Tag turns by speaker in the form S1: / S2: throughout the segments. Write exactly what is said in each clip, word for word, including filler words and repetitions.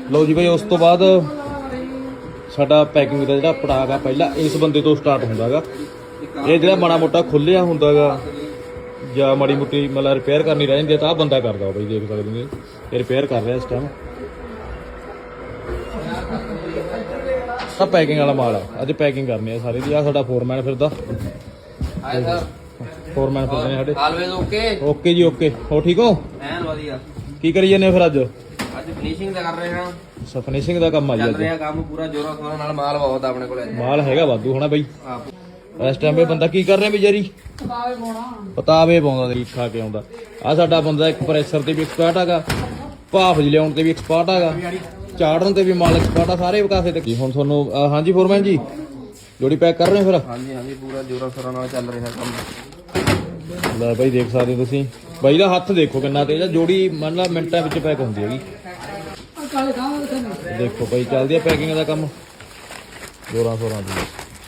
S1: ਲਓ ਜੀ ਬਾਈ, ਉਸ ਤੋਂ ਬਾਅਦ ਸਾਡਾ ਪੈਕਿੰਗ ਦਾ ਜਿਹੜਾ ਪੜਾਅ ਗਾ ਪਹਿਲਾਂ ਇਸ ਬੰਦੇ ਤੋਂ ਸਟਾਰਟ ਹੁੰਦਾ ਗਾ। ਇਹ ਜਿਹੜਾ ਮਾੜਾ ਮੋਟਾ ਖੁੱਲਿਆ ਹੁੰਦਾ ਗਾ ਜਾਂ ਮਾੜੀ ਮੋਟੀ ਮਤਲਬ ਰਿਪੇਅਰ ਕਰਨੀ ਰਹਿ ਜਾਂਦੀ ਤਾਂ ਆਹ ਬੰਦਾ ਕਰਦਾ ਬਾਈ, ਦੇਖ ਸਕਦੇ ਨੇ ਇਹ ਰਿਪੇਅਰ ਕਰ ਰਿਹਾ ਇਸ ਟਾਈਮ। ਸਭ ਪੈਕਿੰਗ ਵਾਲਾ ਮਾਲ ਆ, ਅੱਜ ਪੈਕਿੰਗ ਕਰਨੀ ਆ ਸਾਰੇ ਦੀ। ਆ ਸਾਡਾ ਫੋਰਮੈਨ ਫਿਰਦਾ, ਫੋਰਮੈਨ ਫਿਰਦੇ ਨੇ ਸਾਡੇ।
S2: ਆਲਵੇਜ਼ ਓਕੇ
S1: ਓਕੇ ਜੀ ਓਕੇ। ਹੋ ਠੀਕ ਹੋ?
S2: ਐਨ ਵਧੀਆ।
S1: ਕੀ ਕਰੀ ਜਾਂਦੇ ਫਿਰ ਅੱਜ?
S2: ਅੱਜ ਫਿਨਿਸ਼ਿੰਗ ਦਾ ਕਰ ਰਹੇ ਹਾਂ।
S1: ਅੱਛਾ, ਫਿਨਿਸ਼ਿੰਗ ਦਾ ਕੰਮ ਆ ਜੀ
S2: ਚੱਲ
S1: ਅੱਜ।
S2: ਰਿਹਾ ਕੰਮ ਪੂਰਾ ਜੋਰਾਂ ਸ਼ੋਰਾਂ ਨਾਲ। ਮਾਲ ਬਹੁਤ ਆ ਆਪਣੇ ਕੋਲ।
S1: ਮਾਲ ਹੈਗਾ ਵਾਧੂ ਹੋਣਾ ਬਾਈ।
S2: ਆਹ
S1: ਇਸ ਟਾਈਮ ਇਹ ਬੰਦਾ ਕੀ ਕਰ ਰਿਹਾ ਵਿਚਾਰੀ? ਪਤਾਵੇ ਪਾਉਣਾ। ਪਤਾਵੇ ਪਾਉਂਦਾ ਤੇ ਖਾ ਕੇ ਆਉਂਦਾ। ਆ ਸਾਡਾ ਬੰਦਾ ਇੱਕ ਪ੍ਰੈਸ਼ਰ ਤੇ ਵੀ ਐਕਸਪਰਟ ਹੈਗਾ, ਭਾਫ ਲਿਆਉਣ ਤੇ ਵੀ ਐਕਸਪਰਟ ਹੈਗਾ, ਚਾੜਨ ਤੇ ਵੀ ਮਾਲ ਐਕਸਪਰਟ ਆ, ਸਾਰੇ ਵਿਕਾਸੇ ਤੇ। ਹੁਣ ਤੁਹਾਨੂੰ ਹਾਂਜੀ ਫੋਰਮੈਨ ਜੀ ਜੋੜੀ ਪੈਕ ਕਰ ਰਹੇ ਹੋ ਫਿਰ?
S2: ਹਾਂਜੀ ਹਾਂਜੀ, ਪੂਰਾ ਜੋਰਾਂ ਸ਼ੋਰਾਂ ਨਾਲ ਚੱਲ ਰਿਹਾ ਕੰਮ।
S1: ਲੈ ਬਾਈ ਦੇਖ ਸਕਦੇ ਹੋ ਤੁਸੀਂ, ਬਾਈ ਦਾ ਹੱਥ ਦੇਖੋ ਕਿੰਨਾ ਤੇਜ਼ ਆ। ਜੋੜੀ ਮੰਨ ਲਾ ਮਿੰਟਾਂ ਵਿੱਚ ਪੈਕ ਹੁੰਦੀ ਹੈਗੀ। ਦੇਖੋ ਬਾਈ ਚੱਲਦੀ ਆ ਪੈਕਿੰਗ ਦਾ ਕੰਮ ਜੋਰਾਂ ਸ਼ੋਰਾਂ ਦੀ।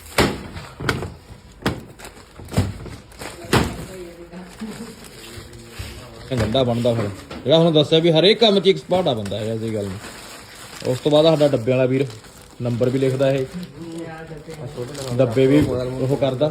S1: ਗੰਡਾ ਬਣਦਾ ਫਿਰ ਜਿਹੜਾ ਹੁਣ ਦੱਸਿਆ ਵੀ ਹਰੇਕ ਕੰਮ 'ਚ ਐਕਸਪਰਟ ਆ ਬੰਦਾ ਹੈ, ਐਸੀ ਗੱਲ ਨਹੀਂ। ਉਸ ਤੋਂ ਬਾਅਦ ਸਾਡਾ ਡੱਬੇ ਵਾਲਾ ਵੀਰ ਨੰਬਰ ਵੀ ਲਿਖਦਾ, ਇਹ ਡੱਬੇ ਵੀ ਉਹ ਕਰਦਾ।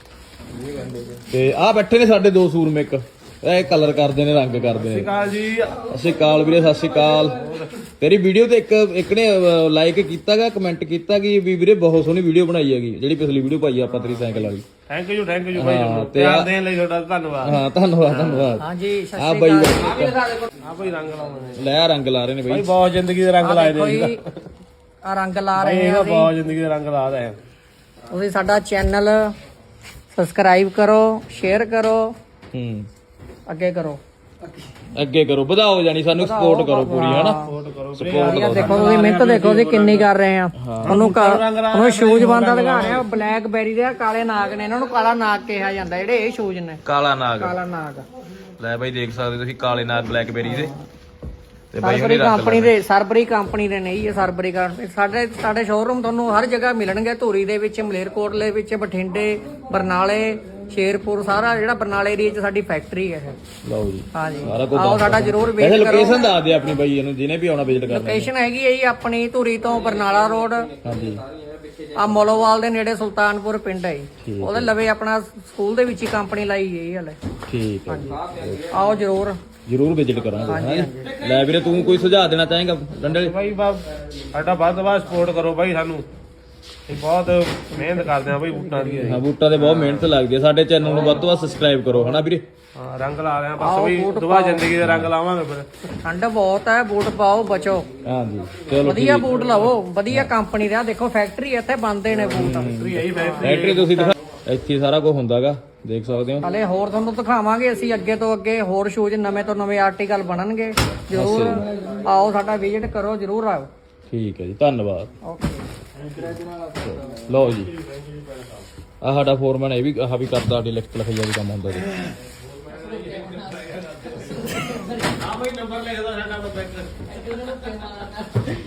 S1: ਤੇ ਆਹ ਬੈਠੇ ਨੇ ਸਾਡੇ ਦੋ ਸੂਰਮੇਕ, ਇਹ ਕਲਰ ਕਰਦੇ ਨੇ, ਰੰਗ ਕਰਦੇ ਨੇ। ਸਤਿ ਸ਼੍ਰੀ ਅਕਾਲ ਵੀਰੇ, ਸਤਿ ਸ਼੍ਰੀ ਅਕਾਲ। ਤੇਰੀ ਵੀਡੀਓ ਤੇ ਇੱਕ ਇੱਕ ਨੇ ਲਾਈਕ ਕੀਤਾਗਾ, ਕਮੈਂਟ ਕੀਤਾ ਕਿ ਵੀ ਵੀਰੇ ਬਹੁਤ ਸੋਹਣੀ ਵੀਡੀਓ ਬਣਾਈ ਹੈਗੀ, ਜਿਹੜੀ ਪਿਛਲੀ ਵੀਡੀਓ ਪਾਈ ਆਪਾਂ ਤੇਰੀ ਸਾਈਕਲ ਵਾਲੀ।
S3: ਥੈਂਕ ਯੂ ਥੈਂਕ ਯੂ ਭਾਈ, ਪਿਆਰ ਦੇਣ ਲਈ ਤੁਹਾਡਾ ਧੰਨਵਾਦ।
S1: ਹਾਂ ਧੰਨਵਾਦ ਧੰਨਵਾਦ।
S4: ਹਾਂਜੀ
S1: ਆ ਬਾਈ
S3: ਆ ਭਾਈ ਰੰਗ ਲਾਉਂਦੇ
S1: ਲੈ ਰੰਗ ਲਾ ਰਹੇ ਨੇ
S3: ਭਾਈ,
S1: ਬਾਈ।
S3: ਬਹੁਤ ਜ਼ਿੰਦਗੀ ਦੇ ਰੰਗ ਲਾਏ ਨੇ
S4: ਆ ਰੰਗ ਲਾ
S3: ਭਾਈ,
S4: ਰਹੇ
S3: ਇਹ
S4: ਆ
S3: ਬਹੁਤ ਜ਼ਿੰਦਗੀ ਦੇ ਰੰਗ ਲਾ ਰਹੇ ਆ।
S4: ਤੁਸੀਂ ਸਾਡਾ ਚੈਨਲ ਸਬਸਕ੍ਰਾਈਬ ਕਰੋ, ਸ਼ੇਅਰ ਕਰੋ,
S1: ਹੂੰ
S4: ਅੱਗੇ ਕਰੋ,
S1: ਅੱਗੇ ਕਰੋ, ਵਧਾਓ ਜਾਨੀ ਸਾਨੂੰ ਸਪੋਰਟ ਕਰੋ ਪੂਰੀ, ਹਨਾ ਸਪੋਰਟ
S4: ਯਾਰ ਦੇਖੋ ਤੁਸੀਂ ਮਿਹਨਤ ਦੇਖੋ ਅਸੀਂ ਕਿੰਨੀ ਕਰ ਰਹੇ ਆ। ਉਹਨੂੰ ਉਹਨੂੰ ਸ਼ੂਜ਼ ਬੰਦਾ ਦਿਖਾ ਰਿਹਾ, ਬਲੈਕ ਬੈਰੀ ਦੇ ਕਾਲੇ ਨਾਗ ਨੇ, ਇਹਨਾਂ ਨੂੰ ਕਾਲਾ ਨਾਗ ਕਿਹਾ ਜਾਂਦਾ, ਜਿਹੜੇ ਇਹ ਸ਼ੂਜ਼ ਨੇ
S1: ਕਾਲਾ ਨਾਗ।
S4: ਕਾਲਾ ਨਾਗ
S1: ਲੈ ਬਾਈ ਦੇਖ ਸਕਦੇ ਤੁਸੀਂ ਕਾਲੇ ਨਾਗ ਬਲੈਕਬੇਰੀ ਦੇ। ਤੇ ਬਾਈ
S4: ਸਰਬਰੀ ਕੰਪਨੀ ਦੇ, ਸਰਬਰੀ ਕੰਪਨੀ ਦੇ ਨਹੀਂ, ਇਹ ਸਰਬਰੀ ਕੰਪਨੀ। ਸਾਡੇ ਸਾਡੇ ਸ਼ੋਰੂਮ ਤੁਹਾਨੂੰ ਹਰ ਜਗ੍ਹਾ ਮਿਲਣਗੇ, ਧੂਰੀ ਦੇ ਵਿੱਚ, ਮਲੇਰਕੋਟਲੇ ਵਿੱਚ, ਬਠਿੰਡੇ, ਬਰਨਾਲੇ, ਸ਼ੇਰਪੁਰ, ਸਾਰਾ ਜਿਹੜਾ ਬਰਨਾਲੇ ਏਰੀਆ 'ਚ ਸਾਡੀ ਫੈਕਟਰੀ ਹੈ ਇਹ।
S1: ਲਓ ਜੀ
S4: ਹਾਂਜੀ
S1: ਸਾਰਾ ਕੁਝ
S4: ਆਓ ਸਾਡਾ ਜ਼ਰੂਰ
S1: ਵੈਸੇ
S4: ਵਿਜ਼ਿਟ ਕਰੋ।
S1: ਲੋਕੇਸ਼ਨ ਦੱਸ ਦੇ ਆਪਣੀ ਬਾਈ ਇਹਨੂੰ, ਜਿਹਨੇ ਵੀ ਆਉਣਾ ਵਿਜ਼ਿਟ ਕਰਨਾ।
S4: ਲੋਕੇਸ਼ਨ ਹੈਗੀ ਹੈ ਜੀ ਆਪਣੀ ਧੂਰੀ ਤੋਂ ਬਰਨਾਲਾ ਰੋਡ,
S1: ਹਾਂਜੀ
S4: ਆ ਮੋਲੋਵਾਲ ਦੇ ਨੇੜੇ ਸੁਲਤਾਨਪੁਰ ਪਿੰਡ ਹੈ ਜੀ। ਉਹਦੇ ਲਵੇ ਆਪਣਾ ਸਕੂਲ ਦੇ ਵਿੱਚ ਹੀ ਕੰਪਨੀ ਲਾਈ ਹੈ ਜੀ ਹਲੇ।
S1: ਠੀਕ ਹੈ,
S4: ਆਓ ਜ਼ਰੂਰ
S1: ਜ਼ਰੂਰ ਵਿਜ਼ਿਟ ਕਰਾਂਗੇ। ਹਾਂ ਲੈ ਵੀਰੇ ਤੂੰ ਕੋਈ ਸੁਝਾਅ ਦੇਣਾ ਚਾਹੇਗਾ ਡੰਡੇ?
S3: ਭਾਈ ਬਾ ਸਾਡਾ ਵੱਧ ਤੋਂ ਵੱਧ ਸਪੋਰਟ ਕਰੋ ਭਾਈ ਸਾਨੂੰ, ਇਹ ਬਹੁਤ ਮਿਹਨਤ ਕਰਦੇ ਆ ਭਾਈ ਬੂਟਾਂ ਦੀ।
S1: ਹਾਂ ਬੂਟਾਂ ਤੇ ਬਹੁਤ ਮਿਹਨਤ ਲੱਗਦੀ ਹੈ। ਸਾਡੇ ਚੈਨਲ ਨੂੰ ਵੱਧ ਤੋਂ ਵੱਧ ਸਬਸਕ੍ਰਾਈਬ ਕਰੋ, ਹਨਾ ਵੀਰੇ।
S3: ਹਾਂ ਰੰਗ ਲਾ ਰਹੇ ਆ ਬਸ ਭਾਈ, ਦੁਬਾਰਾ ਜ਼ਿੰਦਗੀ ਦੇ ਰੰਗ ਲਾਵਾਂਗੇ ਫਿਰ।
S4: ਠੰਡ ਬਹੁਤ ਹੈ, ਬੂਟ ਪਾਓ, ਬਚੋ।
S1: ਹਾਂਜੀ ਚਲੋ
S4: ਵਧੀਆ ਬੂਟ ਲਵੋ, ਵਧੀਆ ਕੰਪਨੀ ਦਾ। ਦੇਖੋ ਫੈਕਟਰੀ ਇੱਥੇ ਬਣਦੇ ਨੇ ਬੂਟ।
S1: ਫੈਕਟਰੀ ਤੁਸੀਂ ਦਿਖਾ, ਇੱਥੇ ਸਾਰਾ ਕੁਝ ਹੁੰਦਾਗਾ, ਦੇਖ ਸਕਦੇ ਹੋ।
S4: ਹਲੇ ਹੋਰ ਤੁਹਾਨੂੰ ਦਿਖਾਵਾਂਗੇ ਅਸੀਂ ਅੱਗੇ ਤੋਂ ਅੱਗੇ, ਹੋਰ ਸ਼ੂਜ਼ ਨਵੇਂ ਤੋਂ ਨਵੇਂ ਆਰਟੀਕਲ ਬਣਨਗੇ। ਜ਼ਰੂਰ ਆਓ, ਸਾਡਾ ਵਿਜ਼ਿਟ ਕਰੋ, ਜ਼ਰੂਰ ਆਓ।
S1: ਠੀਕ ਹੈ ਜੀ, ਧੰਨਵਾਦ।
S4: ਓਕੇ
S1: ਲਓ ਜੀ ਆਹ ਸਾਡਾ ਫੋਰਮੈਨ ਇਹ ਵੀ ਆਹ ਵੀ ਕਰਦਾ, ਸਾਡੀ ਲਿਖਤ ਲਿਖਾਈ ਦਾ ਵੀ ਕੰਮ ਹੁੰਦਾ ਜੀ।